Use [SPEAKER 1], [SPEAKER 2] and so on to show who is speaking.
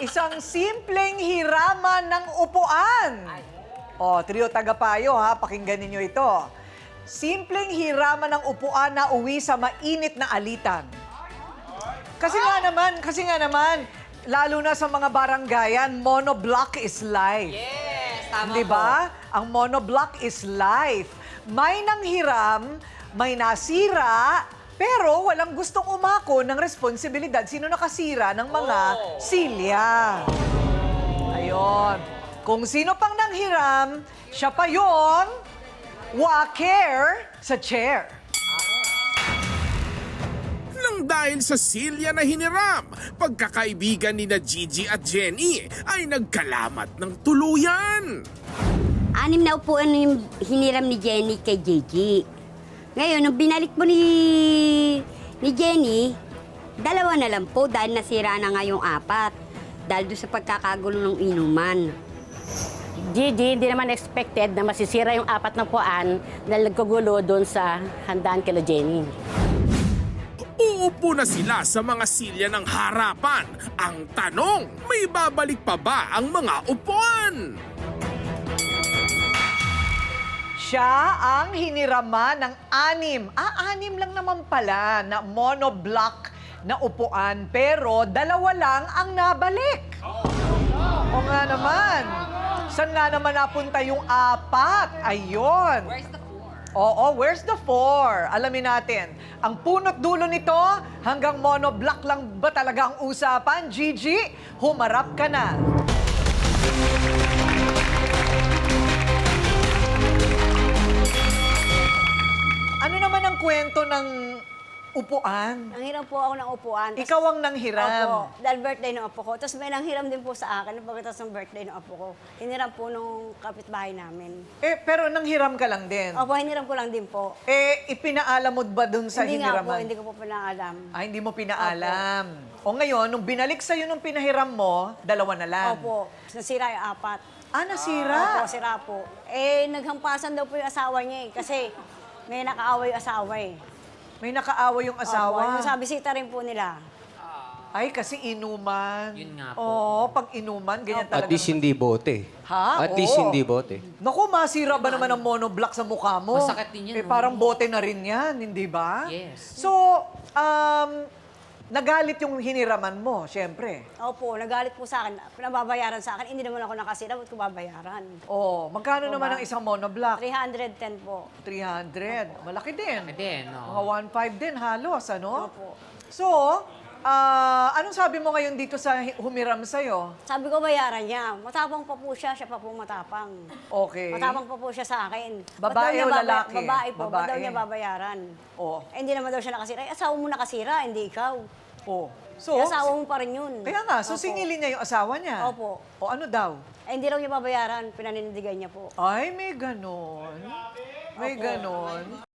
[SPEAKER 1] Isang simpleng hiraman ng upuan. O, trio tagapayo ha, pakinggan ninyo ito. Simpleng hiraman ng upuan na uwi sa mainit na alitan. Kasi nga naman, lalo na sa mga baranggayan, monoblock is life.
[SPEAKER 2] Yes, tama
[SPEAKER 1] Di ba? Ang monoblock is life. May nanghiram, may nasira, pero walang gustong umako ng responsibilidad. Sino nakasira ng mga silya? Ayun. Kung sino pang nanghiram, siya pa yung waker sa chair.
[SPEAKER 3] Nang dahil sa silya na hiniram, pagkakaibigan ni na Gigi at Jenny ay nagkalamat ng tuluyan.
[SPEAKER 4] 6 na upuan yung hiniram ni Jenny kay Gigi. Ngayon, nung binalik mo ni Jenny, 2 na lang po dahil nasira na nga yung 4. Dahil doon sa pagkakagulo ng inuman.
[SPEAKER 5] Gigi, hindi naman expected na masisira yung 4 na puan dahil nagkagulo doon sa handaan kila Jenny.
[SPEAKER 3] Uupo na sila sa mga silya ng harapan. Ang tanong, may babalik pa ba ang mga upuan?
[SPEAKER 1] Siya ang hiniraman ng 6. 6 lang naman pala na monoblock na upuan, pero 2 lang ang nabalik. O nga naman. Saan nga naman napunta yung 4? Ayun.
[SPEAKER 2] Where's the 4?
[SPEAKER 1] Oo, where's the 4? Alamin natin. Ang punot dulo nito, hanggang monoblock lang ba talaga ang usapan? Gigi, humarap ka na. Ano naman ang kwento ng upuan?
[SPEAKER 6] Nanghiram po ako ng upuan.
[SPEAKER 1] Ikaw ang nanghiram.
[SPEAKER 6] Opo, dahil birthday ng apo ko. Tapos may nanghiram din po sa akin pagkatapos ng birthday ng apo ko. Hiniram po nung kapitbahay namin.
[SPEAKER 1] Pero nanghiram ka lang din.
[SPEAKER 6] Opo, hiniram ko lang din po.
[SPEAKER 1] Ipinaalam mo ba dun sa
[SPEAKER 6] Hindi nga po,
[SPEAKER 1] hiniraman?
[SPEAKER 6] hindi ko po pinaalam.
[SPEAKER 1] Hindi mo pinaalam. O ngayon, nung binalik sa'yo nung pinahiram mo, 2 na lang.
[SPEAKER 6] Opo, nasira yung 4.
[SPEAKER 1] Nasira?
[SPEAKER 6] Opo, sira po. Naghampasan daw po yung asawa niya kasi may nakaaway yung asawa eh.
[SPEAKER 1] May nakaaway yung
[SPEAKER 6] Opo,
[SPEAKER 1] asawa.
[SPEAKER 6] yung sa bisita rin po nila.
[SPEAKER 1] Ay, kasi inuman.
[SPEAKER 2] Yun nga po.
[SPEAKER 1] Oo, pag inuman, ganyan talaga.
[SPEAKER 7] At least hindi bote.
[SPEAKER 1] Ha?
[SPEAKER 7] At least
[SPEAKER 1] Oo.
[SPEAKER 7] hindi bote.
[SPEAKER 1] Naku, masira ba naman ang monoblock sa mukha mo?
[SPEAKER 2] Masakit din yan, no?
[SPEAKER 1] Parang bote na rin yan, hindi ba?
[SPEAKER 2] Yes.
[SPEAKER 1] So, nagalit yung hiniraman mo, syempre.
[SPEAKER 6] Opo, nagalit po sa akin. Pinababayaran sa akin. Hindi naman ako nakasira. Ba't ko babayaran?
[SPEAKER 1] Oh, magkano naman ang isang monoblock?
[SPEAKER 6] 310 po.
[SPEAKER 1] 300. Malaki din.
[SPEAKER 2] Malaki din, no?
[SPEAKER 1] Mga 1.5 din halos, ano?
[SPEAKER 6] Opo.
[SPEAKER 1] So, anong sabi mo ngayon dito sa humiram sa'yo?
[SPEAKER 6] Sabi ko bayaran niya. Matapang pa po siya. Siya pa po matapang.
[SPEAKER 1] Okay.
[SPEAKER 6] Matapang pa po siya sa akin.
[SPEAKER 1] Babae
[SPEAKER 6] Ba't daw niya
[SPEAKER 1] o lalaki?
[SPEAKER 6] Babae po. Ba't daw
[SPEAKER 1] Babae.
[SPEAKER 6] niya babayaran?
[SPEAKER 1] Oh.
[SPEAKER 6] Hindi naman daw siya nakasira. Asawa mo nakasira, hindi ikaw.
[SPEAKER 1] Oh. So,
[SPEAKER 6] Asawa mo pa rin yun.
[SPEAKER 1] kaya nga, so
[SPEAKER 6] Opo.
[SPEAKER 1] singilin niya yung asawa niya.
[SPEAKER 6] Opo.
[SPEAKER 1] O ano daw?
[SPEAKER 6] Hindi raw niya babayaran. Pinanindigan niya po.
[SPEAKER 1] Ay, may ganon. May
[SPEAKER 6] Opo.
[SPEAKER 1] ganon.